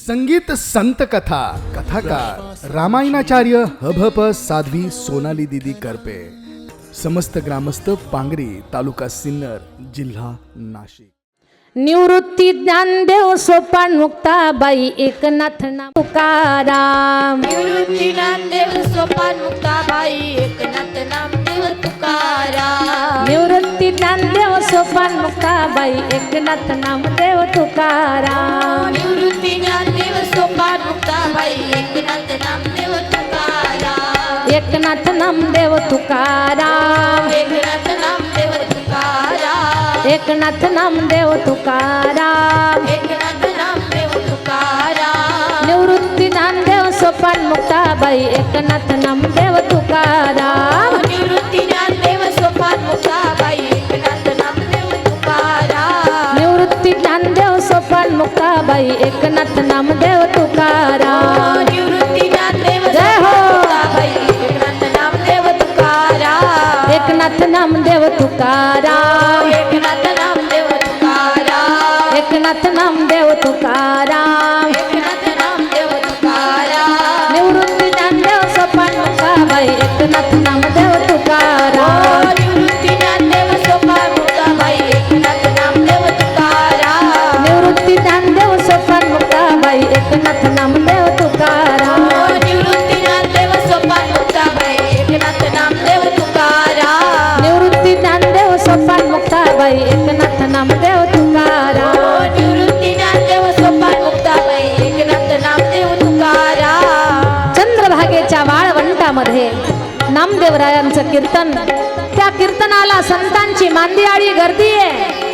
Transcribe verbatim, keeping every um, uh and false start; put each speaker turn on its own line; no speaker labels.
संगीत संत कथा कथाकार रामायणाचार्य हभप साध्वी सोनाली दीदी करपे। समस्त ग्रामस्थ पांगरी, तालुका सिन्नर, जिल्हा नाशिक।
निवृत्ती ज्ञानदेव सोपान मुक्ताबाई एकनाथ नाम तुकाराम।
निवृत्ती ज्ञानदेव सोपान मुक्ताबाई एकनाथ नामदेव तुकाराम।
निवृत्ती ज्ञानदेव सोपान मुक्ताबाई एकनाथ नामदेव तुकाराम।
निवृत्ती ज्ञानदेव सोपान मुक्ताबाई एकनाथ नामदेव तुकाराम।
एकनाथ नामदेव तुकाराम।
एकनाथ नामदेव तुकाराम।
एकनाथ नामदेव तुकाराम।
एकनाथ नामदेव तुकाराम।
निवृत्ती ज्ञानदेव सोपान मुक्ताबाई एकनाथ नामदेव तुकाराम।
निवृत्ती ज्ञानदेव सोपान मुक्ताबाई एकनाथ नामदेव तुकाराम।
निवृत्ती ज्ञानदेव सोपान मुक्ताबाई एकनाथ नामदेव तुकाराम।
निवृत्ती ज्ञानदेव
जय हो।
मुक्ताबाई एकनाथ नामदेव तुकाराम।
एकनाथ नामदेव तुकाराम।
एकनाथ नामदेव तुकाराम।
एकनाथ नामदेव तुकाराम।
एकनाथ नामदेव तुकाराम।
निवृत्ती ज्ञानदेव सोपान मुक्ताबाई एकनाथ नामदेव तुकाराम।
निवृत्ती ज्ञानदेव सोपान मुक्ताबाई एकनाथ नामदेव तुकाराम।
निवृत्ती ज्ञानदेव सोपान मुक्ताबाई एकनाथ नामदेव तुकाराम।
निवृत्ती ज्ञानदेव सोपान मुक्ताबाई एकनाथ नामदेव तुकाराम।
निवृत्ती ज्ञानदेव सोपान मुक्ताबाई एकनाथ नामदेव तुकाराम।
निवृत्ती ज्ञानदेव सोपान मुक्ताबाई एकनाथ नामदेव तुकाराम।
चंद्रभागेच्या वाळवंटामध्ये नामदेवरायांचं कीर्तन, त्या कीर्तनाला संतांची मांदियाळी गर्दी आहे।